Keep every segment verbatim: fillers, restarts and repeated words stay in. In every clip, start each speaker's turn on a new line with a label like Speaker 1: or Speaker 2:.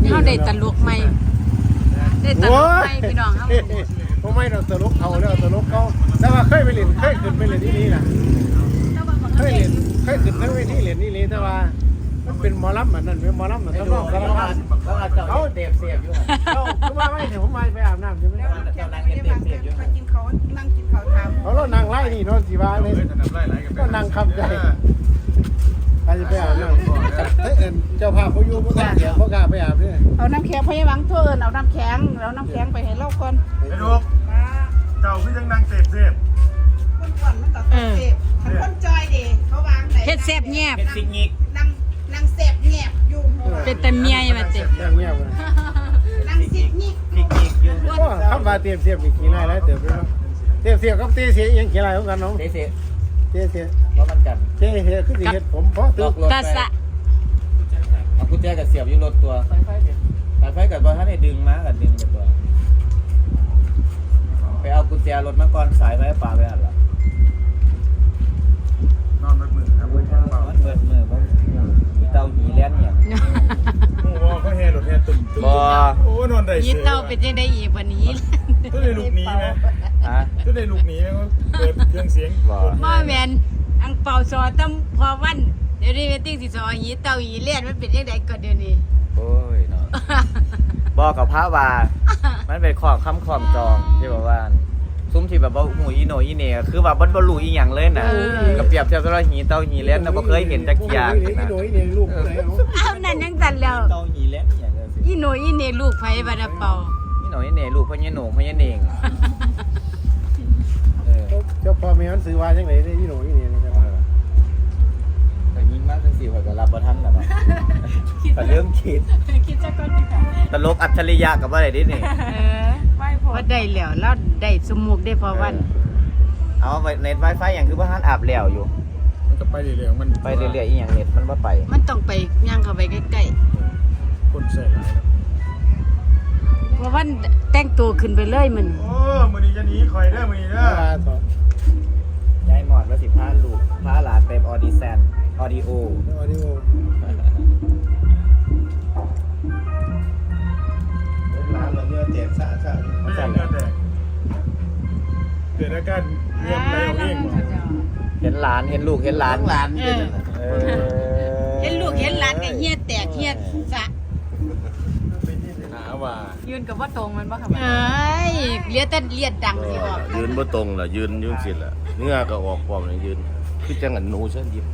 Speaker 1: เขาได้ตลกใหม่ได้ตลกใหม่พี่น้องเขา
Speaker 2: ผมไม่เราตลกเขาแล้วตลกเขาแต่ว่าเคยไปเล่นเคยขึ้นไปเล่นที่นี่นะเคยเล่นเคยขึ้นทั้งเวทีเล่นนี่เลยแต่ว่ามันเป็นหมอลำมันนั่นเป็นหมอลำมันต้องร้องสารพัดเขาเตะเสียบอยู่เขาคือว่าไม่เดี๋ยวผมมาไปอาบน้ำใช่ไหมเขากินเขานั่งกินเขาทำเขาเรานั่งไล่นี่เนาะสิว่าเลยก็นั่งคำใจใครจะไปอาบน้ำเฮ้ยเจ้าภาพเขาอยู่พวกนั้นเดี๋ยวเขากล้าไปอาบเนี่ย
Speaker 3: เอาน้ำแข็งพยาบาลเทินเอาน้ำแข็งเอาน้ำแข็งไปให้เล่าก่อน
Speaker 4: ไอ้ลูกเจ้าพี่ยังนั่งเสพเสพ
Speaker 3: คนก่อนมันตัดเสพฉันคนจอยดิเขาวางไหน
Speaker 1: เฮ็ดแซ่บแยบ
Speaker 4: เฮ็ดซิกงิก
Speaker 3: นั่งนั่งเสพแงบอยู่
Speaker 1: เป็นแต่เมียมาเต็ม
Speaker 2: เงียบเลย
Speaker 3: นั่งซิกงิก
Speaker 4: ซิกงิกอยู่
Speaker 2: คำว่าเตรียมเสียบอีกกี่ไรแล้วเตรียมไปแล้วเตรียมเสียบกับเตะเสียยังกี่ไรของกันน้อง
Speaker 4: เตะเสีย
Speaker 2: เตะเสีย
Speaker 4: เพราะมันกัน
Speaker 2: เตะเสียคือสิเฮ็ดผมเพราะตึก
Speaker 1: ตาสะ
Speaker 4: เอากุญแจกับเสียบอยู่รถตัวไฟไฟไฟไฟกับบ่ท่านได้ดึงมากับดึงตัวไปเอากุญแจรถมาก่อนสายไฟป่าไปหั่นล่ะนอนเบิดมือครับเบิดมือเบิดมือบ่มีเตาหีแล่นเนี่ย
Speaker 5: โอ้ว่าเขาแห่รถแห่ตุ่มตุ่มโอ้นอนได้
Speaker 1: ยีเต้าเป็นจังได๋อีกวันนี้
Speaker 5: ก็ได้ลูกนี้ไหม
Speaker 4: ฮะ
Speaker 5: ก็ได้ลูกนี้ไหมเปิดเครื่องเสียง
Speaker 1: บ่แม่นอังเป่าซอตำพอวันเดี๋ยวนี้เวทีสิซอยีเต้ายีเลียนมันเป็นจังได๋ก็เดี๋ยวนี้
Speaker 4: โอ้ยเนาะบอกกับพระว่ามันเป็นของคำของจองที่บอกว่าซุ้มที่แบบว่าหูอีโนอีเน่คือแบบมันบรรลุอีหยังเลยนะกับเปรียบเทียบกับหีเต้าหีเล่นนะบ่เคยเห็นจักอย่างนะ
Speaker 1: เอานั่นยังสั่นแล้ว
Speaker 4: เต้าหีเล่นอย่างเงี้ย
Speaker 1: อีโนอีเน่ลูกไผบัดเป่า
Speaker 4: อีโนอีเน่ลูกพ่อเนี่ยหนูพ่อเนี่ยเน่ง
Speaker 2: เจ้าพ่อแม่มันซื้อว่าจังได๋ได้อีโหนอีนี่นะครับ
Speaker 4: แต่ยิ่งมากจังสี่ข่อยก็รับบ่ทันแล้วเนาะก็เริ่มคิด
Speaker 1: คิดจักก่อนดิค่ะ
Speaker 4: ตลกอัจฉริยะกับว่าได้ดินี่
Speaker 1: เออว่าได้แล้วแล้วได้สมุกได้พอวัน
Speaker 4: เอาเน็ต Wi-Fi อย่างคือบ่ทันอาบแล้วอยู่
Speaker 5: มันก็ไปเรื่อยๆมัน
Speaker 4: ไปเรื่อยๆอีหยังเน็ตมันบ่ไป
Speaker 1: มันต้องไปย่างเข้าไปใกล้
Speaker 5: ๆคนใส่หลาย
Speaker 1: เพราะว่าแต่งตัวขึ้นไปเลยมัน
Speaker 5: โอ้มื้อนี้จะหนีข่อยเด้อมื้อนี้เด้
Speaker 4: อยายหมอดว่าสิพาลูกพาหลานไปออดิชั่นออดิโอ
Speaker 2: ออดิโอร้านเราเนื้อแจกซะซะ
Speaker 5: ไม่ใช่เนื้อแตกเกิดอาการเงียบไหลเอง
Speaker 4: เห็นหลานเห็นลูกเห็นหลาน
Speaker 2: หลาน
Speaker 4: เออ
Speaker 1: เห็นลูกเห็นหลานก็เหี้ยแตกเหี้ยสะ
Speaker 5: หาว่า
Speaker 3: ยืนกับว่าตรงมันบ่ค่ะ
Speaker 1: เอ้ยเลียแต่เลียดดังสิบ่
Speaker 6: ยืนบ่ตรงล่ะยืนยุ่งสิล่ะเนื้อก็ออกพร้อมเลยยืนคือจังอันหนูซั่นยิบ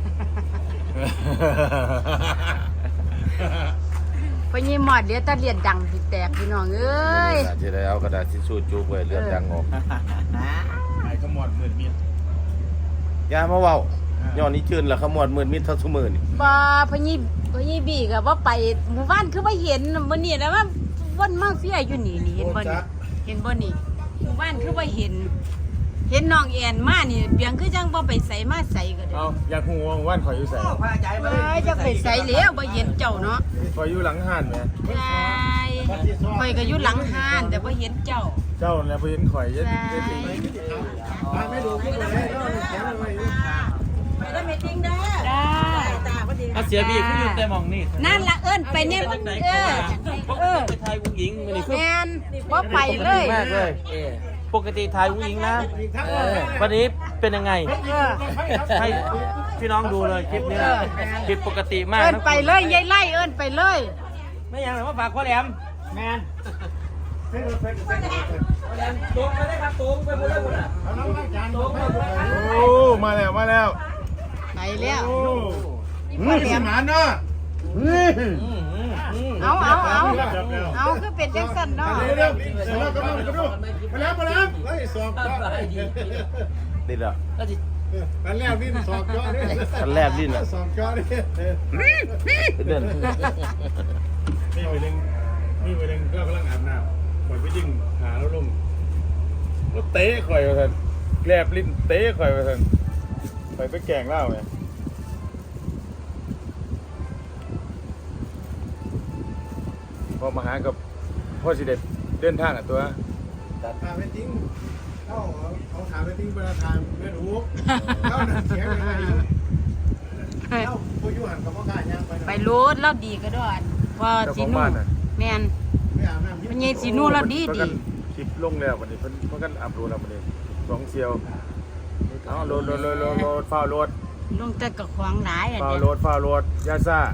Speaker 1: พอยี่หมอดเลียแต่เลียดดังสิแตกพี่น้องเอ้ย
Speaker 6: สิได้เอากระดาษทิชชู่จุกไว้เลือดดังออก
Speaker 5: ไอ้ขมวดมืดมิด
Speaker 6: อย่ามาเว้าย้อนนี้จืนล่ะขมวดมืดมิดเท่าซุมื้อนี่
Speaker 1: บ่พอยี่พอยี่บีก็บ่ไปหมู่บ้านคือบ่เห็นมื้อนี้แล้วว่าวนมาเฟียอยู่นี่นี่เห็นบ่นี่เห็นบ่นี่หมู่บ้านคือบ่เห็นเห็นน้องแอนมานี่เปียงคือจังบ่ไปใส่มาใส่ก็ได้
Speaker 5: เอาอยากฮู้ว่าว่านข่อยอยู่ไส
Speaker 1: เอ้ยจะไปใส่แล้วบ่เห็นเจ้าเนาะ
Speaker 5: ข่อยอยู่หลังห้านแหม
Speaker 1: ใช่ข่อยก็อยู่หลังห้านแต่บ่เห็นเจ้า
Speaker 5: เจ้าแล้วบ่เห็นข่อยเย็ด
Speaker 2: ไม่ดูคิดเลยแข็งไว้
Speaker 3: ไปได้เมตติ้งได้
Speaker 1: ได้
Speaker 3: ตาพอดี
Speaker 4: เสียบีคืออยู่แต่มองนี่
Speaker 1: นั่นละเอิ้นไปเนี่ยเออเออ
Speaker 4: ไปถ่ายผู้หญิงมื้อนี้
Speaker 1: แม่นบ่ไปเลย
Speaker 4: มากเลยปกติถ่ายผู้หญิงนะวันนี้เป็นยังไงให้พี่น้องดูเลยคลิปนี้คลิปปกติมาก
Speaker 1: เอิ้นไปเลยยายไล่เอิ้นไปเลย
Speaker 4: ไม่ยังหรอว่าฝากพ่อแหลมแมนตรงไปได้ครับตรงไปหมดเลยหมดอ่ะ
Speaker 5: โอ้มาแล้วมาแล้ว
Speaker 1: ไปแล้ว
Speaker 5: พ่อแหลมหมาเนาะ
Speaker 1: เอาเอาเอาเอาคือเป็นจังซั่นเนาะ
Speaker 5: เร็วๆเสร็จแล้วก็มาดูมาแล้วมาแล้วเฮ้ยสอบก็
Speaker 6: ติดแล้ว
Speaker 5: อันแรกนี่สอบก็นี่
Speaker 6: อันแรกนี่น่ะ
Speaker 5: สอบก็นี่
Speaker 6: เดิน
Speaker 5: นี่ไปดึงนี่ไปดึงก็กำลังอาบน้ำข่อยไปยิงหาแล้วลงแล้วเตะข่อยว่าซั่นแกลบลิ้นเตะข่อยว่าซั่นข่อยไปแกล้งเล่าไงพอมาหากับพ่อสิเด็ดเดินทางอ่ะตัว
Speaker 2: ตัดพาไปทิ้งเขาเขาถามไปทิ้งประธานไม่รู้เขาหนักเสียงอะไรอยู่เขาผู้ยุหันกับพ่อข้ายังไป
Speaker 1: ไปรูดแล้วดีก็ด้วยพอสิหนูแม่น
Speaker 2: ไม่อาบน้ำ
Speaker 1: มันยายสีนู่นแล้วดี
Speaker 5: เพิ่น
Speaker 1: ดี
Speaker 5: กันคลิปลงแล้ววันนี้เพิ่นเพิ่นกันอัพโหลดแล้ววันนี้สองเซียวเอาโหลดโหลดโหลดโหลดโหลดฟ้าวโหลด
Speaker 1: ลงแต่กับขวางหลายอ่ะ
Speaker 5: ฟ้าว
Speaker 1: เด้
Speaker 5: โหลดฟ้าวโหลดยาซ่า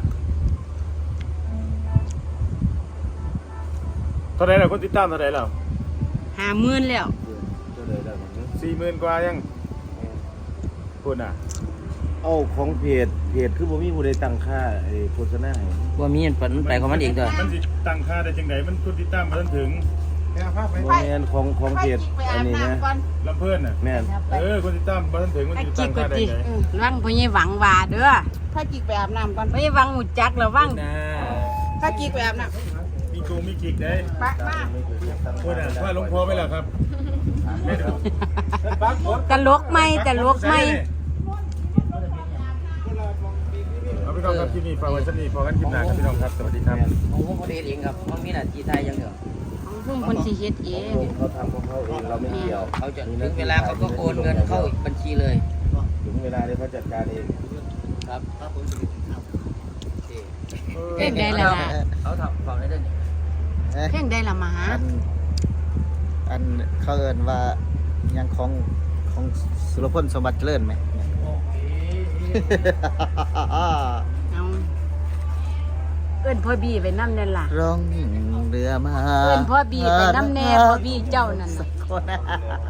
Speaker 5: เท่าไหร่แล้วคนติดตามเท่าไหร่แล้ว
Speaker 1: ห้าหมื่นแล้ว
Speaker 6: เท่าใดแล้วมัน
Speaker 5: สี่หมื่นกว่ายังพูดน่ะ
Speaker 6: เอาของเพจเพจคือบ่มีผู้ใดตั้งค่าไอ้โฆษณาให้
Speaker 7: ว่ามีมันมันไปของมันเองเด้อ
Speaker 5: มันสิตั้งค่าได้จังไดมันคนติดตามมาทันถึง
Speaker 2: ไปเอาผ้าไป
Speaker 6: บ่แม่นของของเพจอันนี้นะ
Speaker 5: ลำเพิ่นน่ะ
Speaker 6: แม่น
Speaker 5: เออคนติดตามมาทันถึงมัน
Speaker 1: ไอ้
Speaker 5: สิ
Speaker 1: จิ
Speaker 5: ตั้
Speaker 1: ก
Speaker 5: ง
Speaker 1: ก็
Speaker 5: ค่าได้
Speaker 1: จิ
Speaker 5: ไง
Speaker 1: วังพ่อใหญ่หวังว่าเด้อ
Speaker 3: ถ้าจิกไปอาบน้ำก่อน
Speaker 1: พ่อใหญ่หวังหูจักแล้ววัง
Speaker 7: นะ
Speaker 3: ถ้าจิกไปอาบน้
Speaker 5: มีกูมีกิกได้
Speaker 3: ำปะมา
Speaker 5: พูดน่ะว่าหลวงพ่อไปแล้วครับไม่ดู
Speaker 1: ตลกไหมตลกไหม
Speaker 5: เอาพี่น้องครับคลิปนี้ฝากไว้สักนี้พอกันคลิปหน้าครับพี่น้องครับสวัสดีครับ
Speaker 7: ของผมบ่ได้เฮ็ดเองครับมันมีหน้าที่ไทยอย่างเดียว
Speaker 1: ของพุ่มคนสิเฮ็ดเอง
Speaker 6: เขาทำของเขาเองเราไม่เกี่ยว
Speaker 7: เขาจะถึงเวลาเขาก็โอนเงินเข้าบัญชีเลย
Speaker 6: ถึงเวลาเดี๋ยวเขาจัดการเอง
Speaker 7: ครับ
Speaker 1: เพลงใดล่ะ
Speaker 7: เขาทำฟังได้เด้อนี่
Speaker 1: เพลงใดล่ะมาหา
Speaker 8: อันอันเขาเอินว่ายังของของสุรพลสมบัติเจริญไหม
Speaker 1: เอาเอิ้นพ่อบี้ไปนำนั่นล่ะ
Speaker 8: ร้องเรือมา
Speaker 1: เอิ้นพ่อบี้ไปนำแน่พ่อบี้เจ้านั่น
Speaker 8: สั
Speaker 1: น่ะ
Speaker 8: กคนนะ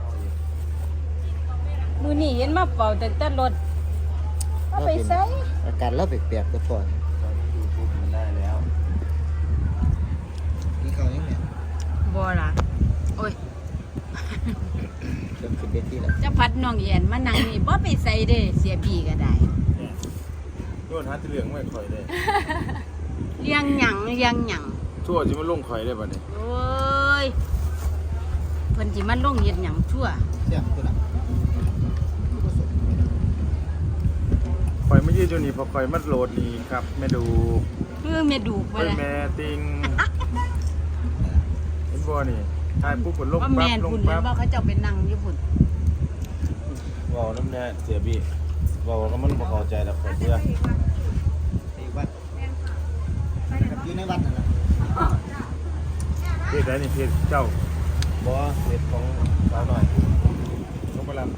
Speaker 1: มื้อนี้เห็นมาเป่าแต่แต่รถเอาไปใส่
Speaker 8: อาการเราเปียกๆก็ก่อน
Speaker 6: มันได้แล้ว
Speaker 8: นี่เขาอย่างเนี้ย
Speaker 1: บ่ล่ะโอ้ย
Speaker 8: เริ่มขึ้นเวทีแล้ว
Speaker 1: จะพัดน้องแอนมานั่งนี่บ่ไปใส่เด้เสียบี้ก็ได้
Speaker 5: โดนหาที่เหลืองไม่ข่อยได้
Speaker 1: เลี้ยงหยังเลี้ยงหยัง
Speaker 5: ชั่วจิมาลงข่อยได้ป่ะเนี่ย
Speaker 1: โอ้ยเพิ่นสิมาลงเฮ็ดหยังชั่ว
Speaker 8: เสียงตัวน่ะ
Speaker 5: ข่อยไม่ยืดอยู่นี่เพอข่อยมัดโหลดนี่ครับแม่ดู
Speaker 1: เพื่อแม่ดูกบ่
Speaker 5: เฮ้ย
Speaker 1: ล่ะ
Speaker 5: แม่ติงเห็นบ่นี่ถ่ายปุ๊บผลลง
Speaker 1: ว่า
Speaker 5: ปั๊
Speaker 1: แม่
Speaker 5: บ
Speaker 1: น
Speaker 5: ลง
Speaker 1: พุ่น
Speaker 5: ปั๊บ
Speaker 1: บ่เขาเจ้าไปนั่งอยู่พุ่น
Speaker 6: เว้าน้ำแน่เสียบี้เว้าแล้วมันบ่เข้าใจแล้วข่อยเบื่อ
Speaker 8: ไอ้วัดนะครับอยู่ในวัดนั่นแหละ
Speaker 5: เพจไหนนี่เพจเจ้า
Speaker 6: บ่เพจของสาวหน่อย
Speaker 5: ลงไปรับ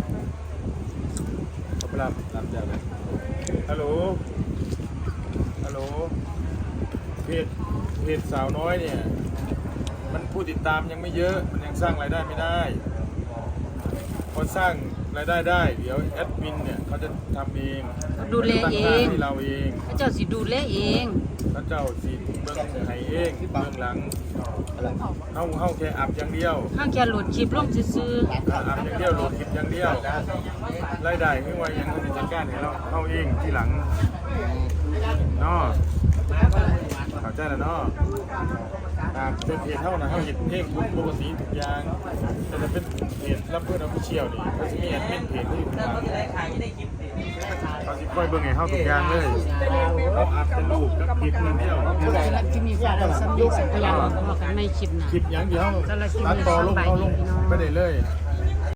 Speaker 5: ลงไปรับ
Speaker 6: รับแล้วเลย
Speaker 5: ฮัลโหลฮัลโหลเพจเพจสาวน้อยเนี่ยมันผู้ติดตามยังไม่เยอะมันยังสร้างรายได้ไม่ได้พอสร้างรายได้ได้เดี๋ยวแอดมินเนี่ยเขาจะทำเอง
Speaker 1: ดูแลเอ
Speaker 5: ตั้ค่าง ให้เราเอง
Speaker 1: เขาเจ้าสิดูแลเอง
Speaker 5: พระเจ้าสีเบื้องไห้เองเบื้องหลังเฮาเฮาแค่อับอย่างเดียว
Speaker 1: ห้างแค่โหลดคลิปลงซื่อ
Speaker 5: อับอย่างเดียวโหลดคลิปอย่างเดียวรายได้คือว่ายังต้องจัดการให้เราเฮาเองที่หลังเนาะเข้าใจแล้วเนาะอ่าเป็นเพจเท่านะเฮาเห็นเพลงทุกปกติทุกอย่างแต่ถ้าเป็นเพจรับเพื่อนออฟฟิเชียลนี่เขาจะมีแอดมินเพจที่อยู่ข้างหลังเขาสิคอยเบิ่งให้เฮาทุกอย่างเลยเขาอัดเป็นรูปกับคลิปอย่างเดียว
Speaker 1: ๆสำหรับที่มีความสำเร็จสักอย่างพอกันไม่คลิปหน้า
Speaker 5: คลิปอย่างเดียว
Speaker 1: สำหรับคลิปนี้
Speaker 5: ตัดต่อลง
Speaker 1: สบาย
Speaker 5: เอา
Speaker 1: ดี
Speaker 5: ลง
Speaker 1: พี่น้อง
Speaker 5: ไม่ได้เลย
Speaker 1: ส